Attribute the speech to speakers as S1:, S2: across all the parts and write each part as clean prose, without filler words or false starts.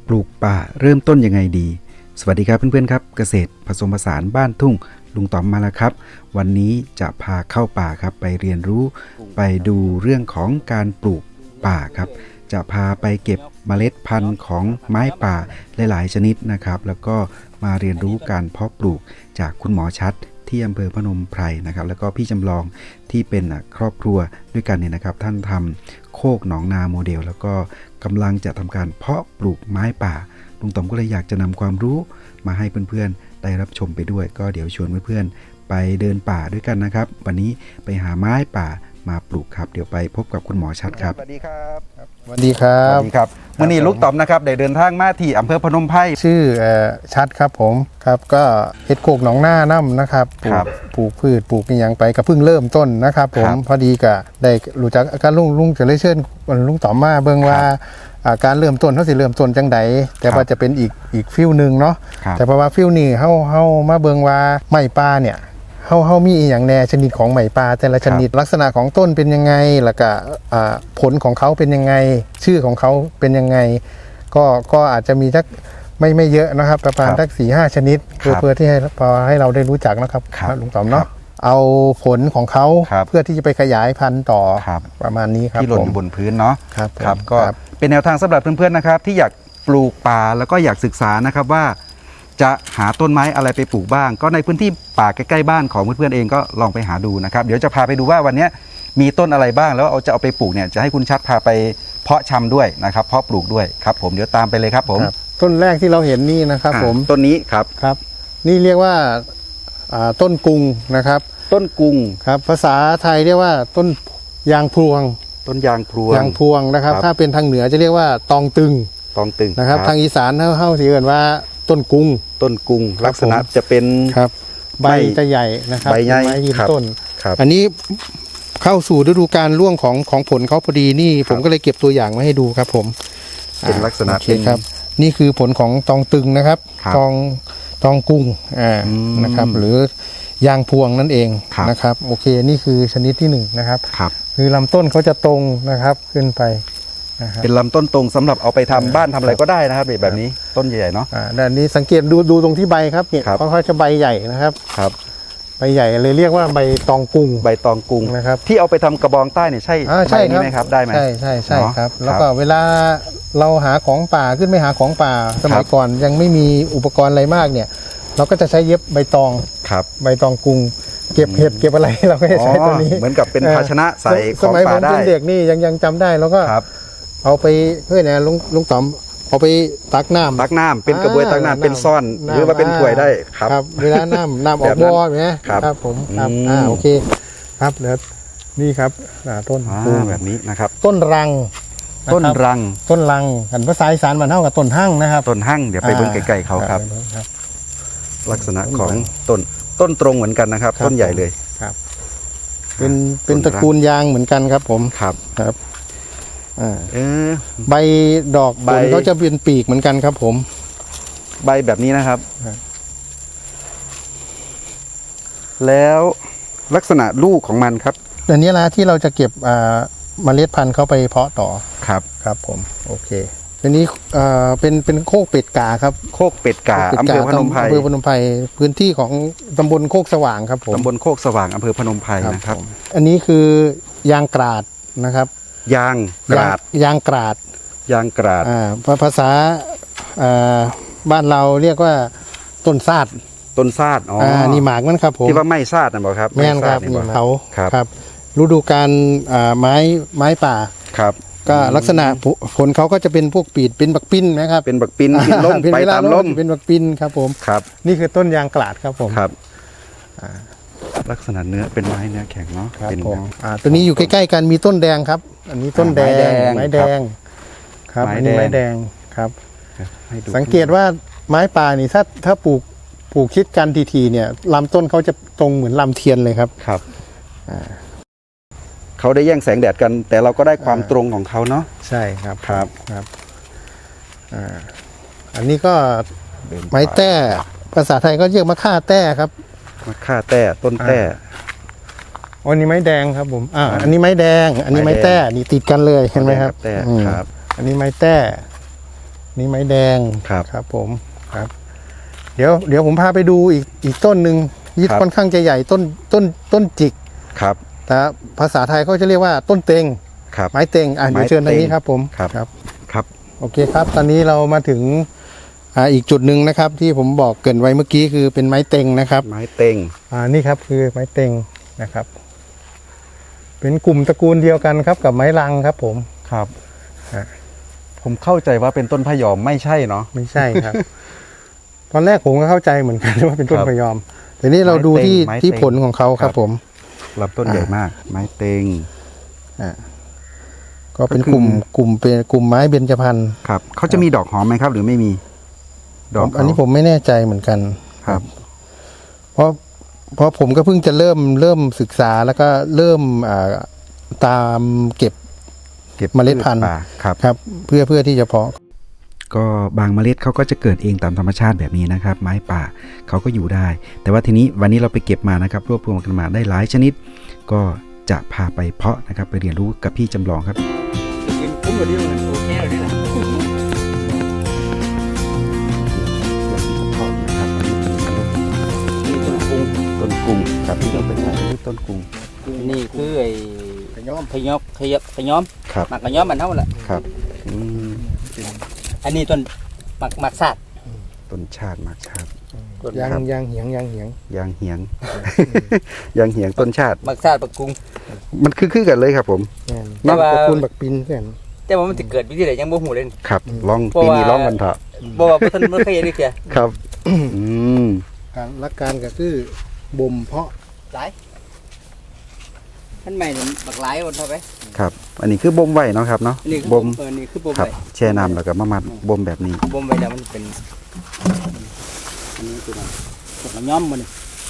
S1: ปลูกป่าเริ่มต้นยังไงดีสวัสดีครับเพื่อนๆครับเกษตรผสมผสานบ้านทุ่งลุงต๋อมมาแล้วครับวันนี้จะพาเข้าป่าครับไปเรียนรู้ไปดูเรื่องของการปลูกป่าครับจะพาไปเก็บเมล็ดพันธุ์ของไม้ป่าหลายๆชนิดนะครับแล้วก็มาเรียนรู้การเพาะปลูกจากคุณหมอชัดที่อำเภอพนมไพรนะครับแล้วก็พี่จำลองที่เป็นครอบครัวด้วยกันเนี่ยนะครับท่านทำโคกหนองนาโมเดลแล้วก็กำลังจะทำการเพาะปลูกไม้ป่าลุงต๋อมก็เลยอยากจะนำความรู้มาให้เพื่อนๆได้รับชมไปด้วยก็เดี๋ยวชวนเพื่อนๆไปเดินป่าด้วยกันนะครับวันนี้ไปหาไม้ป่ามาปลูกครับเดี๋ยวไปพบกับคุณหมอชัดครับสวัสดีครับ
S2: สวัสดีครับ
S1: สวัสดีครับวันนี้ลุงต๋อมนะครับได้เดินทางมาที่อำเภอพนมไพร
S2: ชื่อชัดครับผมครับก็เฮ็ดโคกหนองหน้าน้ำนะครับปลูกพืชปลูกอย่างไปก็เพิ่งเริ่มต้นนะครับผมพอดีก็ได้รู้จักการลุงจะเลยเชิญลุงต๋อมมาเบิ่งว่าการเริ่มต้นเขาสิเริ่มต้นจังใดแต่ว่าจะเป็นอีกฟิลนึงเนาะแต่เพราะว่าฟิลนี้เฮามาเบิ่งว่าไม้ป่าเนี่ยเฮามีอย่างแน่ชนิดของไม้ป่าแต่ละชนิดลักษณะของต้นเป็นยังไงแล้วก็ผลของเขาเป็นยังไงชื่อของเขาเป็นยังไงก็อาจจะมีสักไม่เยอะนะครับประมาณสัก 4-5 ชนิดเพื่อที่ให้เราได้รู้จักนะครับลุงต๋อมเนาะเอาผลของเขาเพื่อที่จะไปขยายพันธุ์ต่อประมาณนี้ครับ
S1: ที่หล่นอยู่บนพื้นเนาะ
S2: ครับ
S1: ก็เป็นแนวทางสำหรับเพื่อนๆนะครับที่อยากปลูกป่าแล้วก็อยากศึกษานะครับว่าจะหาต้นไม้อะไรไปปลูกบ้างก็ในพื้นที่ป่าใกล้ๆบ้านของเพื่อนๆเองก็ลองไปหาดูนะครับเดี๋ยวจะพาไปดูว่าวันนี้มีต้นอะไรบ้างแล้วจะเอาไปปลูกเนี่ยจะให้คุณชัดพาไปเพาะชำด้วยนะครับเพาะปลูกด้วยครับผมเดี๋ยวตามไปเลยครับผม
S2: ต้นแรกที่เราเห็นนี่นะครับผม
S1: ต้นนี้ครับ
S2: นี่เรียกว่าต้นกุงนะครับ
S1: ต้นกุง
S2: ครับภาษาไทยเรียกว่าต้นยางพรวง
S1: ต้นยางพรวง
S2: นะครับถ้าเป็นทางเหนือจะเรียกว่าตองตึงนะครับทางอีสานเข้าสิเรียกว่าต้นกุง
S1: ลักษณะจะเป็น
S2: ใบจะใหญ่นะครับ
S1: ใบใหญ่
S2: ยืนต้นอันนี้เข้าสู่ฤดูกาลร่วงของผลเขาพอดีนี่ผมก็เลยเก็บตัวอย่างมาให้ดูครับผม
S1: เป็นลักษณะ
S2: ครับนี่คือผลของตองตึงนะครับตองกุ้งนะครับหรือยางพวงนั่นเองนะครับโอเคนี่คือชนิดที่1นะครับคือลำต้นเขาจะตรงนะครับขึ้นไป
S1: เป็นลำต้นตรงสำหรับเอาไปทำบ้านทำอะไรก็ได้นะครับแบบนี้ต้นใหญ่ๆเนาะ
S2: ด้านนี้สังเกตดูตรงที่ใบครับเนี่ยเขาจะใบใหญ่นะครับใบใหญ่เลยเรียกว่าใบตองกุ้งนะครับ
S1: ที่เอาไปทำกระบองใต้เนี่ยใช่
S2: ใช่
S1: ไหมครับได้ไหม
S2: ใช่ครับแล้วก็เวลาเราหาของป่าขึ้นไปหาของป่าสมัยก่อนยังไม่มีอุปกรณ์อะไรมากเนี่ยเราก็จะใช้เย็บใบตองกุ้งเก็บเห็ดเก็บอะไรเราก็จะใช้ตัวนี้
S1: เหมือนกับเป็นภาชนะใส่
S2: ของป่าได้สมัยผมเป็นเด็กนี่ยังจำได้แล้วก็เอาไปเพื่อนนะลุงต๋อมเอาไปตักน้
S1: ำเป็นกระบวยตักน้ำเป็นซ่อนหรือว่าเป็นถ้วยได้
S2: ครับเวลาน้ำออกบ่อไหมครับผมครับโอเคครับแล้วนี่ครับต้น
S1: แบบนี้นะครับ
S2: ต้นรังกันภาษาอีสานมันเท่ากับต้นหั่งนะครับ
S1: ต้นหั่งเดี๋ยวไปเบิ่งไกลๆเขาครับลักษณะของต้นตรงเหมือนกันนะครับต้นใหญ่เลย
S2: ครับเป็นตระกูลยางเหมือนกันครับผม
S1: ครับ
S2: ใบดอกผลเขาจะเป็นปีกเหมือนกันครับผม
S1: ใบแบบนี้นะครับแล้วลักษณะลูกของมันครับ
S2: อันนี้ละที่เราจะเก็บเมล็ดพันธุ์เข้าไปเพาะต่อ
S1: ครับ
S2: ผมโอเคอันนี้เป็นโคกเป็ดกาครับ
S1: โคกเป็ดกาอำเภอพนมไพร
S2: พื้นที่ของตำบลโคกสว่างครับผม
S1: ตำบลโคกสว่างอำเภอพนมไพรนะครับ
S2: อันนี้คือยางกราดนะครับ
S1: ยางกราด
S2: ภาษาบ้านเราเรียกว่าต้นซาดนี่หมากมันครับผม
S1: ที่ว่าไม่ซาดนะบอกครับ
S2: แม่นครับนี่เขาครับฤดูกาลไม้ป่าก็ลักษณะผลเขาก็จะเป็นพวกปีดเป็นบักปิ้นนะครับ
S1: เป็นบักปิ้นล้มไปตามล้ม
S2: เป็นบักปิ้นครับผมนี่คือต้นยางกราดครับผม
S1: ลักษณะเนื้อเป็นไม้เนื้อแข็งเนาะ
S2: ครับผมตัวนี้อยู่ใกล้ๆกันมีต้นแดงครับอันนี้ต้นแดงไม้แดงครับอันนี้ไม้แดงครับสังเกตว่าไม้ป่านี่ถ้าปลูกชิดกันทีเนี่ยลำต้นเขาจะตรงเหมือนลำเทียนเลยครับ
S1: เขาได้แย่งแสงแดดกันแต่เราก็ได้ความตรงของเขาเนาะ
S2: ใช่ครับอันนี้ก็ไม้แต้ภาษาไทยก็เรียกมะข่าแต้ครับ
S1: มะข่าแต้ต้นแต้
S2: อันนี้ไม้แดงครับผมอันนี้ไม้แดงอันนี้ไม้แต้นี่ติดกันเลยเห็นไหมครับ
S1: ครับ
S2: อันนี้ไม้แต้นี่ไม้แดง
S1: ครับ
S2: ครับผมครับ เดี๋ยวผมพาไปดูอีกต้นหนึ่งที่
S1: ครับ
S2: ค่อนข้างจะใหญ่ต้นจิก
S1: ครับ
S2: แต่ภาษาไทยเขาจะเรียกว่าต้นเต็ง
S1: ครับ
S2: ไม้เต็งเดี๋ยวเชิญทางนี้ครับผม
S1: ครับ
S2: ครับ
S1: ครับ
S2: โอเคครับ ตอนนี้เรามาถึงอีกจุดหนึ่งนะครับ ที่ผมบอกเกรินไว้เมื่อกี้คือเป็นไม้เต็งนะครับ
S1: ไม้เต็ง
S2: นี่ครับคือไม้เต็งนะครับ เป็นกลุ่มตระกูลเดียวกันครับกับไม้ลังครับผม
S1: ครับ
S2: ฮะ
S1: ผมเข้าใจว่าเป็นต้นพะยอมไม่ใช่เนาะ
S2: ไม่ใช่ครับ ตอนแรกผมก็เข้าใจเหมือนกันว่าเป็นต้น
S1: ครับ
S2: พะยอม แต่นี่เราดูที่
S1: ไม้เต็ง
S2: ที่ผลของเขาครับ
S1: ครับ
S2: ผม
S1: ลำต้นใหญ่มาก ไม้เต็ง
S2: ก็เป็น
S1: ก็คือก
S2: ลุ่มไม้เบญจพรรณ
S1: ครับเขาจะมีดอกหอมไหมครับ หรือไม่มี ดอก
S2: อันนี้ผมไม่แน่ใจเหมือนกัน
S1: ครับ
S2: เพราะผมก็เพิ่งจะเริ่มศึกษาแล้วก็เริ่มตามเก็บ
S1: เก็บ
S2: เมล็ดพันธุ์
S1: ป่าครับ
S2: ครับเพื่อที่จะเพาะ
S1: ก็บางเมล็ดเขาก็จะเกิดเองตามธรรมชาติแบบนี้นะครับ ไม้ป่าเขาก็อยู่ได้ แต่ว่าทีนี้วันนี้เราไปเก็บมานะครับรวบรวมกันมาได้หลายชนิด ก็จะพาไปเพาะนะครับ ไปเรียนรู้กับพี่จำลองครับ
S3: กินคุ้มกว่านี้เลยโอเคเลยนะ
S1: นี่ต้นกุ้งครับที่เราเป็นต้นกุ้ง
S3: นี่คือไอ้
S2: ขย้อม
S3: ขยอมขยอม
S1: ครับ
S3: หมักขยอมมันเท่าแหละ
S1: ครับอืม
S3: อันนี้ต้นหมักซาด
S1: ต้นชาติมากชาติ
S3: ต้น
S2: ยาง
S1: ครับ
S2: ยางเหียง
S1: ยางเหียง ยางเหียงต้นชาติ
S3: หมักซาดปักกุ้ง
S1: มันคือกันเลยครับผม
S2: แม่น
S3: แต่ว่า
S2: ตระกูลบักปินเพื่อน
S3: แต่ว่ามันจะเกิดวิธีไหนยังบ่หูเลย
S1: ครับลอง
S3: เพราะ
S1: ปีนี้
S3: ว่า
S1: ลองกันเถอะ
S3: บ่ว่าบ่ทันบ่เคยเห็นเลยเสีย
S1: ครับม
S2: การหลักการก็คือบ่มเพาะ
S3: หลายท่านใหม่นี่บักหลายคนเท่าไป
S1: ครับ อันนี้คือบ่มไว้เนาะครับเนาะ
S3: อันนี้คือ
S1: บ่ม
S3: นี่คือบ่ม
S1: ครับ
S3: ไว้
S1: แช่น้ำแล้วก็มามัดบ่มแบบนี้
S3: บ่มไว้แล้วมันเป็นอันนี้คือมันพวกขยอมมันนี่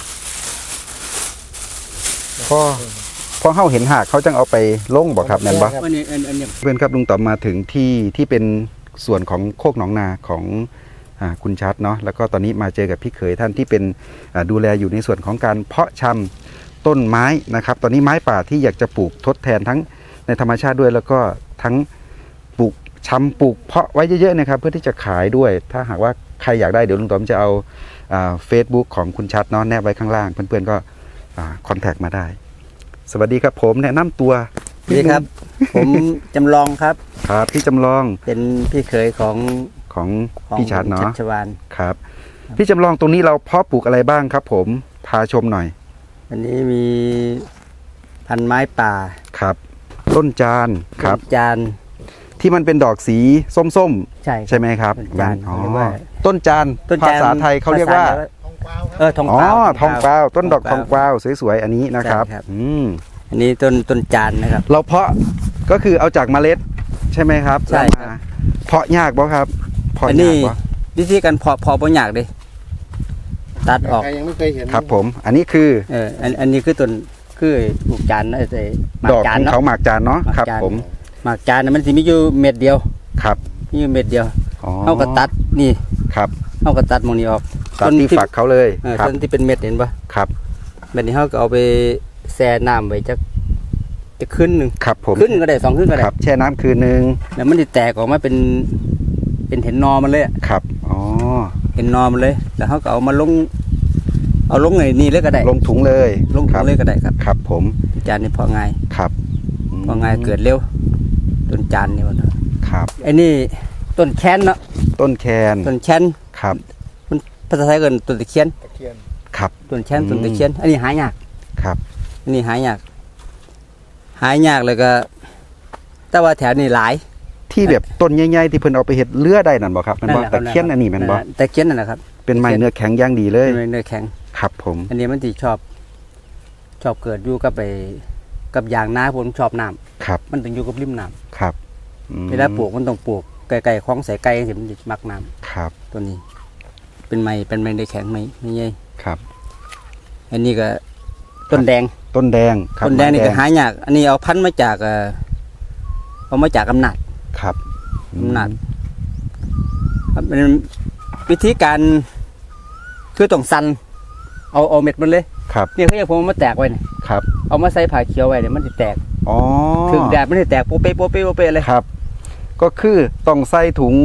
S1: พอเฮาเห็นหากเขาจังเอาไปลงบ่ครับแม่นบ่
S3: อันนี้อันนี้
S1: เพื่อนครับลุงต่อมมาถึงที่เป็นส่วนของโคกหนองนาของคุณชัดเนาะแล้วก็ตอนนี้มาเจอกับพี่เขยท่านที่เป็นดูแลอยู่ในส่วนของการเพาะชำต้นไม้นะครับ ตอนนี้ไม้ป่าที่อยากจะปลูกทดแทนทั้งในธรรมชาติด้วย แล้วก็ทั้งปลูกชำปลูกเพาะไว้เยอะๆนะครับ เพื่อที่จะขายด้วย ถ้าหากว่าใครอยากได้เดี๋ยวลุงต่อมจะเอาFacebook ของคุณชัดเนาะแนบไว้ข้างล่างเพื่อนๆก็คอนแทคมาได้ สวัสดีครับผมแนะนำตัว
S3: นี่ครับ ผมจำลองครับ
S1: ครับพี่จำลอง
S3: เป็นพี่เขยของ
S1: ของพี่ชัดเนาะ
S3: ชัชวาน
S1: ครับ พี่จำลองตรงนี้เราเพาะปลูกอะไรบ้างครับ ผมพาชมหน่อย
S3: อันนี้มีพันไม้ป่า
S1: ครับ ต้นจานครับ
S3: จาน
S1: ที่มันเป็นดอกสีส้ม
S3: ใช่
S1: ๆ ใช่ไหมครับ
S3: ต้นจาน
S1: อ๋อ
S3: เขาเรียกว่า
S1: ต้นจาน
S3: ต้นจ
S1: ภาษาไทยเขาเรียกว่า
S3: ทอง
S1: อ๋อ
S3: เปล่า
S1: ทองกวาวต้นดอกทองกวาวสวยๆอันนี้นะครับ
S3: ใช่ครับ
S1: อืม
S3: อันนี้ต้นจานนะครับ
S1: เราเพาะก็คือเอาจากเมล็ดใช่ไหมครับ
S3: ใช่
S1: แล้ว
S3: ครับ
S1: มาเพาะยากบ่ครับเพาะ
S3: อัน
S1: ยา
S3: นี้
S1: กบ่
S3: วิธีการเพาะบ่ยากเลยตัดออก
S2: ใครยังไม่เคยเห็น
S1: ครับผม อันนี้คือ
S3: อันนี้คือต้นคือปลูกจานนะไอ้หมาก
S1: ดอก
S3: จา
S1: ข
S3: น
S1: อง
S3: เนาะ
S1: เขาหมากจานเนาะ
S3: หมาก
S1: ครับ
S3: จาน
S1: ผม
S3: หมากจานน่ะมันสิมีอยู่เม็ดเดียว
S1: ครับ
S3: มีอยู่เม็ดเดียว
S1: อ๋อ
S3: เฮาก็ตัดนี่
S1: ครับ
S3: เฮาก็ตัดหมองนี้ออก
S1: ตัดที่ฝักเขาเลยครับ
S3: ต้นที่เป็นเม็ดเห็นปะ
S1: ครับ
S3: เม็ดนี้เฮาก็เอาไปแช่น้ำไว้จะขึ้นหนึง
S1: ครับผม
S3: ขึ้นก็ได้2ขึ้นก็ได้
S1: ครับแช่น้ำคืนนึง
S3: แล้วมันจะแตกออกมาเป็นเห็นนอมันเลยอะ
S1: ครับอ๋อ
S3: เห็นนอมันเลย แล้วเขาก็เอามาลงไอ้นี่เลยก็ได้
S1: ลงถุงเลย
S3: ลงถุ
S1: ครั
S3: ง
S1: บ
S3: เลยก็ได้ครับ
S1: ครับผม
S3: จานนี่พอง่าย
S1: ครับ
S3: พอง่ายเกิดเร็วต้นจานนี่มัน
S1: ครับ
S3: ไอ้นี่ต้นแคนเนาะ
S1: ต้นแคน
S3: ต้นแคน
S1: ครับ
S3: มันภาษาไทยเกินต้นตะเคียน
S2: ตะเคียน
S1: ครับ
S3: ต้นแคนต้นตะเคียน อันนี้หายาก
S1: ครับ
S3: อันนี้หายากเลยก็ แต่ว่าแถวนี้หลาย
S1: ที่แบบต้นใหญ่ๆที่เพิ่นเอาไปเฮ็ดเรือได้นั่นบ่ครับแม่นบ่
S3: แหละ
S1: ตะเคียนอันนี้แม่นบ่
S3: ตะเคียนนั่นแหละครับ
S1: เป็นไม้เนื้อแข็งอย่างดีเลย
S3: เนื้อแข็ง
S1: ครับผม
S3: อันนี้มันที่ชอบเกิดอยู่กับยางนาผมชอบน้ำ
S1: ครับ
S3: มันต้องอยู่กับริมน้ำ
S1: ครับอืม
S3: เวลาปลูกมันต้องปลูกไกลๆคลองใส่ไก่สิมันจะมักน้ำ
S1: ครับ
S3: ตัวนี้ เป็นไม้ได้แข็งไหมไม่ใหญ่
S1: ครับ
S3: อันนี้ก็ต้นแดง
S1: ต้นแดงครับ
S3: ต้นแดงนี่ก็
S1: ไม้
S3: หายากอันนี้เอาพันธุ์มาจากเอามาจากอำนาจ
S1: ครับ
S3: อำนาจครับเป็นวิธีการคือต้องสั่นเอาเม็ดมันเลย
S1: ครับ
S3: นี่เขาอยากผมเอามาแตกไว้เนี่ย
S1: ครับ
S3: เอามาใส่ผ้าเขียวไว้เนี่ยมันจะแตก
S1: อ๋อ
S3: ถึงแดดมันจะแตกโปเปเลย
S1: ครับ ก็คือต้องใส่ถุง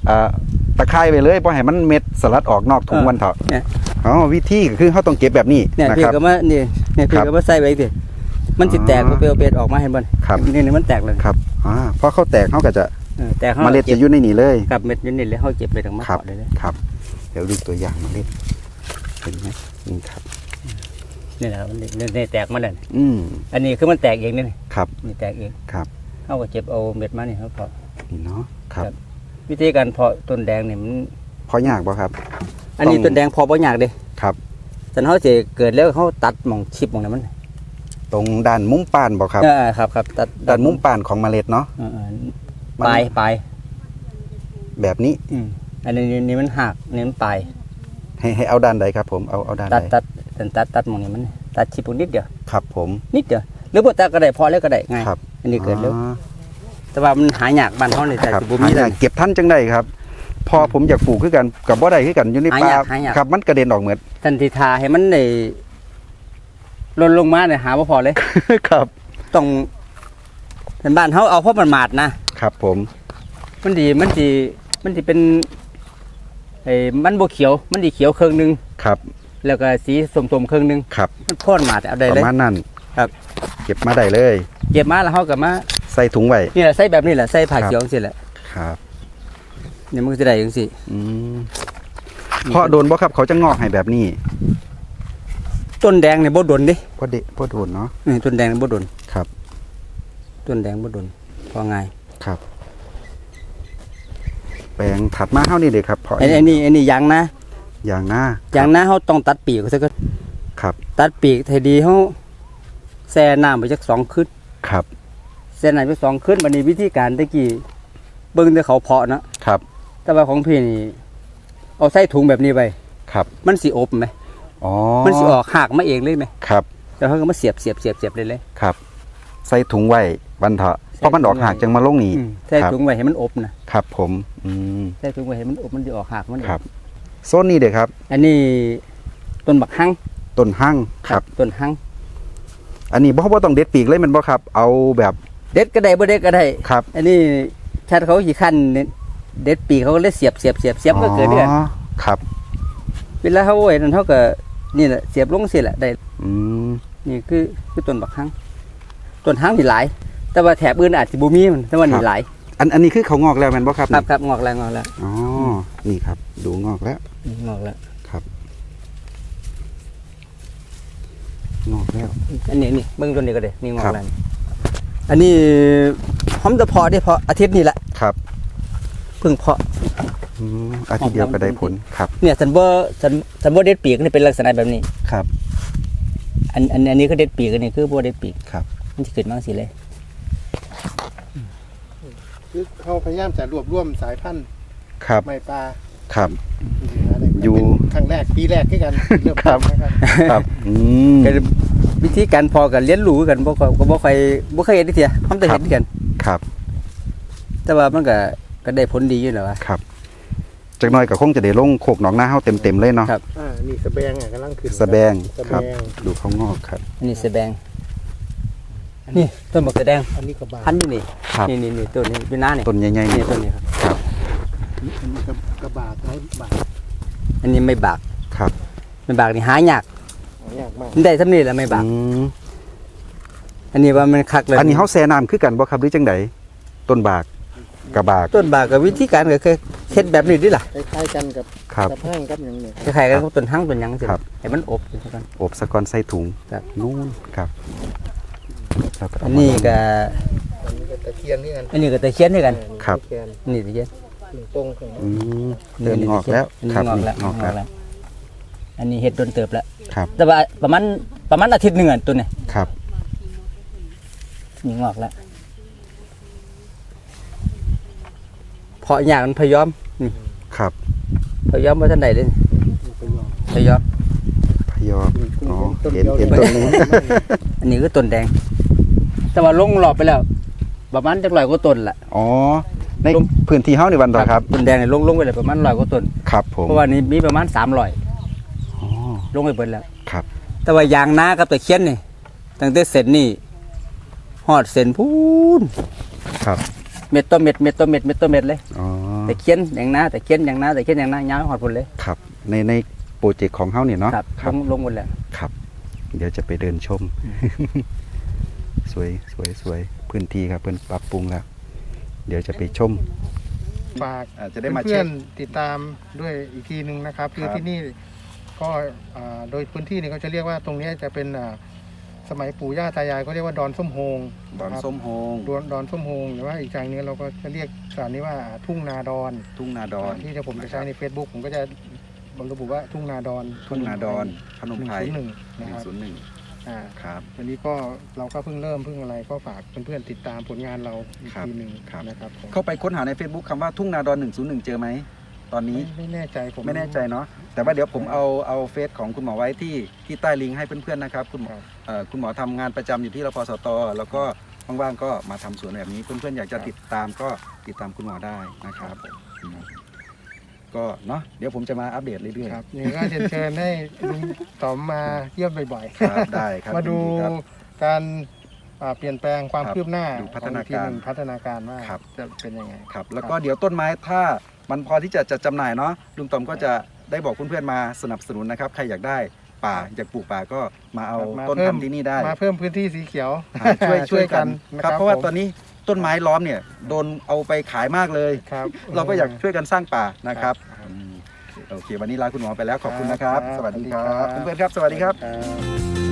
S1: ตะไคร้ไปเลยบ่ให้มันเม็ดสลัดออกนอกถุงวันเถาะ
S3: เนี่ย
S1: อ๋อวิธีก็คือเขาต้องเก็บแบบนี้
S3: เนี่ย
S1: นะ
S3: พี่
S1: ครับ
S3: ก็มานี่เนี่ยพี่
S1: ครับ
S3: ก็มาใส่ไว้สิมันสิแตก
S1: อ๋อ
S3: เปลวเบ็ดออกมาเห็นบ่
S1: ครับ
S3: นี่มันแตกเลย
S1: ครับพอเขาแตกเขาก็จะ
S3: แตก
S1: เมล็ดจะอยู่ในนี่เลย
S3: กับเม็ดอยู่นี่เลยเฮาเก็บไปตรงมา
S1: ครับ
S3: เกาะเลยเลย
S1: ครับ เดี๋ยวดูตัวอย่างเมล็ดเห็นไหมนี่ครับ
S3: นี่แหละครับมันนี่แตกมาแล้วนี่
S1: อืม
S3: อันนี้คือมันแตกเองนี่
S1: ครับ
S3: นี่แตกเอง
S1: ครับ
S3: เฮาก็เก็บเอาเม็ดมานี่เฮาเพาะ
S1: นี่เนาะครับ
S3: ครับ วิธีการเพาะต้นแดงนี่มัน
S1: พอยากบ่ครับ
S3: อันนี้
S1: ต้อง
S3: ต้นแดงเพาะบ่ยากเด้
S1: ครับ
S3: แต่เฮาสิเกิดแล้วเฮาตัดหม่องชิบหม่องนั้นมัน
S1: ตรงด้านมุมปานบ่ครับ
S3: ครับตัด
S1: ด้านมุมปานของเมล็ดเนาะ
S3: ปลาย
S1: แบบนี้
S3: อันนี้มันหักนี่มันปลาย
S1: ให้เอาด้านใดครับ ผมเอาด้าน
S3: ตั
S1: ใด
S3: ดหม่องนี้มันตัดชิบนิดเดียว
S1: ครับผม
S3: นิดเดียวหรือบ่ตัดก็ได้พอแล้วก็ได้ง่าย
S1: ครับ
S3: อันนี้เกิดเร็ว
S1: อ๋อ
S3: แต่ว่ามันหายากบ้านเฮานี่แต่
S1: ครับ
S3: สิบ่มี
S1: หา
S3: เล
S1: ยาก
S3: ย
S1: เก็บท่านจังได้ครับ พอผมอยากปลูกคือกันกับบ่ได้คือกันอยู่ในป่า
S3: หายาก
S1: ครับมันกระเด็นออกเหมือน
S3: ทันทีทาให้มันได้หล่นลงมาเนี่ยหาบ่พอเลย
S1: ครับ
S3: ต้องเป็นบ้านเฮาเอาเพราะมันหมาดนะครับ
S1: ผม
S3: มันสิเป็นไอ้มันบ่เขียวมันสิเขียวครึ่งหนึง
S1: ครับ
S3: แล้วก็สีส้มๆครึ่งหนึง
S1: ครับ
S3: มันพ่นหมาดเอาได้
S1: ป
S3: เลย
S1: ระมาณนั้น
S3: ครับ
S1: เก็บมาได้เลย
S3: เก็บมาแล้วเฮาก็มา
S1: ใส่ถุงไว้
S3: นี่แหละใส่แบบนี้แหละใส่ผ้า
S1: ครับ
S3: เขียวจังซี่แหละ
S1: ครับ
S3: เนี่ยมันก็สิได้จังซี่
S1: อืมเพราะโดนบ่ครับเขาจะงอกให้แบบนี้
S3: ต้นแดงเนี่ยบ่ดนเด้
S1: เพราะโดนเนาะ
S3: นี่ต้นแดงบ่ดน
S1: ครับ
S3: ต้นแดงบ่ดนพอง่าย
S1: ครับ แปลงถัดมาเท่านี้เลยครับเพราะ
S3: อันนี้ยางนะ
S1: อย่างหน้า
S3: อย่างนะเฮาต้องตัดปีกซะก่อน
S1: ครับ
S3: ตัดปีกให้ดีเฮาแช่น้ำไปจัก2คืน
S1: ครับ
S3: แช่น้ำไป2คืนบัดนี้วิธีการตะกี้เบิ่งแต่เขาเพาะเนาะ
S1: ครับ
S3: แต่ว่าของพี่นี่เอาใส่ถุงแบบนี้ไป
S1: ครับ
S3: มันสิอบไหม
S1: อ๋อ
S3: มันสิออกหักมาเองเลยไหม
S1: ครับ
S3: แล้วเขาก็มาเสียบเลย
S1: ครับ ใส่ถุงไว้บันเถาะเพราะมันออกหักจังมาลงนี่
S3: ใส่ถุงไว้ให้มันอบนะครับ
S1: ผมอืม
S3: ใส่ถุงไว้ให้มันอบมันสิออกหักมันเอง
S1: ครับโซนนี้เด็กครับ
S3: อันนี้ต้นบักหั่ง
S1: ต้นหั่งครับ
S3: ต้นหั่ง
S1: อันนี้บ่ต้องเด็ดปีกเลยแมันบ่ครับ เอาแบบ
S3: เด็ดก็ได้บ่เด็ดก็ได้
S1: ครับ
S3: อันนี้ชัดเขาสิคั่นเด็ดปีกเขาก็เลยเสียบก็เกิดเดือน
S1: อ๋อครับ
S3: เวลาเขาไว้นั่นเขาก็นี่แหละเสียบลงสิแหละได้
S1: อืม
S3: นี่คือต้นบักหั่งต้นหั่งนี่หลาย แต่ว่าแถบอื่นอาจสิบ่มีมันแต่ว่านี่หลาย
S1: อันนี้คือเขางอกแล้วแมันบ่ครับ
S3: ครับงอกแล้ว
S1: อ๋อนี่ครับ ดูงอกแล้ว
S3: งอกแล้ว
S1: ครับ งอกแล้ว
S3: อันนี้เบิ่งต้นนี้ก็ได้นี่งอ
S1: ครั
S3: ก
S1: บ
S3: แล้วอันนี้พร้อมจะเพาะได้เพาะอาทิตย์นี้แหละ
S1: ครับ
S3: เพิ่งเพาะ
S1: อาทิตย์เดียวก็ได้ผลครับ
S3: เนี่ยสันบ่เด็ดปีกนี่เป็นลักษณะแบบนี้
S1: ครับ
S3: อันนี้ก็เด็ดปีกอันนี้คือบ่เด็ดปีก
S1: ครับ
S3: มันสิขึ้นมาจังซี่เลย
S2: คือเขาพยายามจะรวบรวมสายพันธุ์
S1: ครับ
S2: ไม้ปลา
S1: ครับ
S2: อยู่ ครั้งแรกปีแรกที่กันเริ่ม
S1: ครับ
S2: นะครับ
S1: ครับ
S3: ก็วิธีการเพอกันเรียนรู้กันบ่ค่อยเฮ็ดเที่ยพร้อมจะเฮ็ดกัน
S1: ครับ
S3: แต่ว่ามันก็ได้ผลดีอยู่แล้วว่า
S1: ครับจากหน้อยก็คงจะได้ลงโคกหนองนาเฮาเต็มเลยเนาะ
S3: ครับ
S2: นี่สะแบงกำลังขึ้น
S1: สะแบง
S2: สะ
S1: ครับ
S2: แบง
S1: ดูเขางอกครับ
S3: อันนี้สะแบงนี่ต้นบักสะแดง
S2: อันนี้ก็บา
S3: พันธุ์อยู่นี่
S1: ครับ
S3: นี่ต้นนี้อยู่หน้านี่
S1: ต้นใหญ่ๆ
S3: นี่
S1: นี่
S3: ต้นนี้ครับ
S1: ครับ
S2: อันนี้ก็บาดไม้บาด
S3: อันนี้ไม่บาก
S1: ครับ
S3: ไม่บากนี่หายาก
S2: ยากมาก
S3: มันได้ซ้ำนี่แหละไม่บาก
S1: อืม
S3: อันนี้ว่ามันคักเลย
S1: อันนี้เฮาแซ่น้ำคือกันบ่ครับหรือจังไดต้นบากกับบาก
S3: ต้นบากกับวิธีการก็คือเฮ็ดแบบนี้ดิล่ะ
S2: คล้ายๆกันกับ
S1: ครับ
S2: กับห้างกับอย่างเนี้ย
S3: คล้ายๆกันกับต้นหั่งต้นหยังสิ
S1: ครับ
S3: ให้มันอบอยู่ซะก่อน
S1: อบสะกอนใส่ถุง
S3: ครับ
S1: นู่นครับแล้วก็
S3: อั
S1: เาน
S3: นี้ก็
S2: อันนี้ก็ตะเคียนนี่กัน
S3: อันนี้ก็ตะเคียนด้วยกัน
S1: ครับ
S2: ตะเคียน
S3: นี่ตะเคียน
S2: หนึ่งตรงของ
S1: อืมเริ่มงอกแล้ว
S3: อัน
S1: ครั
S3: นี้
S1: บ
S3: งอกแล้ว
S1: งอกแล้ว
S3: อันนี้เฮ็ดโดนเติบแล้ว
S1: ครับ
S3: แต่ว่าประมาณอาทิตย์หนึงอ่ะตัวนี้
S1: ครับ
S3: นี่งอกแล้วเพาะหญ้ามันพยอมนี่
S1: ครับ
S3: พยอมบ่ทันได้เลย
S2: ไปลอง
S3: พยอม
S1: พยอมอ๋อ
S2: ต้น
S1: เห็น
S2: เดียว
S1: ต้นนี้
S3: อันนี้คือต้นแดง แต่ว่าลงรอบไปแล้ว ประมาณจัก100กว่าต้นละ
S1: อ๋อในพื้นที่เฮานี่วันต่อครับ
S3: ต้นแดงนี่ลงไปเลยประมาณ100กว่าต้น
S1: ครับผม
S3: เพราะว่านี้มีประมาณ300
S1: อ๋อ
S3: ลงไปเบิดแล้ว
S1: ครับ
S3: แต่ว่ายางนากับตะเคียนนี่ตั้งแต่เส้นนี่ฮอดเส้นพูน
S1: ครับ
S3: เม็ดต่อเม็ดเลย
S1: อ๋อ
S3: แต่เคียนอย่างน้าแต่เคียนอย่างน้าแต่เคียนอย่างน้ายาวหอดพุ่นเลย
S1: ครับในโปรเจกต์ของเฮาเนี่ยเนาะ
S3: ครับลงหมดแล้ว
S1: ครับ เดี๋ยวจะไปเดินชม สวยสวยสวยพื้นที่ครับเพิ่นปรับปรุงแล้ว เดี๋ยวจะไปชม
S2: ฝาก
S1: จะได้มา
S2: เพื่
S1: เช็
S2: อ
S1: คน
S2: ๆติดตามด้วยอีกทีหนึ่งนะครับคือที่นี่ก็โดยพื้นที่นี่เขาจะเรียกว่าตรงนี้จะเป็นสมัยปู่ย่าตายายก็เรียกว่าดอนส้มโฮง
S1: ดอน
S2: นะครับ
S1: ส้มโฮง
S2: ดอนส้มโฮงหรือว่าอีกอย่างหนึงเราก็จะเรียกสถานนี้ว่าทุ่งนาดอน
S1: ทุ่งนาดอน
S2: ที่ผมจะใช้ใน Facebook ผมก็จะระบุว่าทุ่งนาดอน
S1: ทุ่งนาดอนพนมไพร
S2: 101นะครับ
S1: 101ครับ
S2: วันนี้ก็เราก็เพิ่งเริ่มอะไรก็ฝากเพื่อนๆติดตามผลงานเราอีก
S1: ครับ
S2: ทีหนึ่ง
S1: ครับ
S2: นะครับผม
S1: เข้าไปค้นหาใน Facebook คำว่าทุ่งนาดอน101เจอไหมตอนนี้
S2: ไม่แน่ใจผม
S1: ไม่แน่ใจเนาะแต่ว่าเดี๋ยวผมเอาเฟซของคุณหมอไว้ที่ใต้ลิงก์ให้เพื่อนๆนะครับคุณหมอ
S2: ครับ
S1: คุณหมอทำงานประจำอยู่ที่รพสตแล้วก็ว่างๆก็มาทำสวนแบบนี้เพื่อนๆอยากจะติดตามก็ติดตามคุณหมอได้นะครับก็เนาะเดี๋ยวผมจะมาอัปเดตเรื่อย
S2: ครับนี่ก็เชิญให้ลุงต๋อมมาเยี่ยมบ่อย
S1: ๆครับได้ครับ
S2: มาดู
S1: ยินครับ
S2: การเปลี่ยนแปลงความ
S1: ครับ
S2: คืบหน้า
S1: ดูพัฒนาการ
S2: ของอีทีหงพัฒนาการว่า
S1: ครับ
S2: จะเป็นยังไง
S1: ครับแล้วก็เดี๋ยวต้นไม้ถ้ามันพอที่จะจำหน่ายเนาะลุงต๋อมก็จะได้บอกเพื่อนๆมาสนับสนุนนะครับใครอยากได้ป่าอยากปลูกป่าก็มาเอา
S2: มา
S1: ต้น
S2: เพิ่ม
S1: ทำที่นี่ได้
S2: มาเพิ่มพื้นที่สีเขียว
S1: ช่วยกัน
S2: นะครับ
S1: เพราะว่า
S2: ผม
S1: ตอนนี้ต้นไม้ล้อมเนี่ยโดนเอาไปขายมากเลย
S2: ครับ
S1: เราก็อยากช่วยกันสร้างป่านะครับ
S2: ครับ
S1: โอเควันนี้ลาคุณหมอไปแล้วขอบคุณนะครับ
S2: ครับ
S1: สวัสดีครั
S2: สวัสดีครับ บ
S1: เพื่อนๆครับสวัสดีครับ
S2: ครับ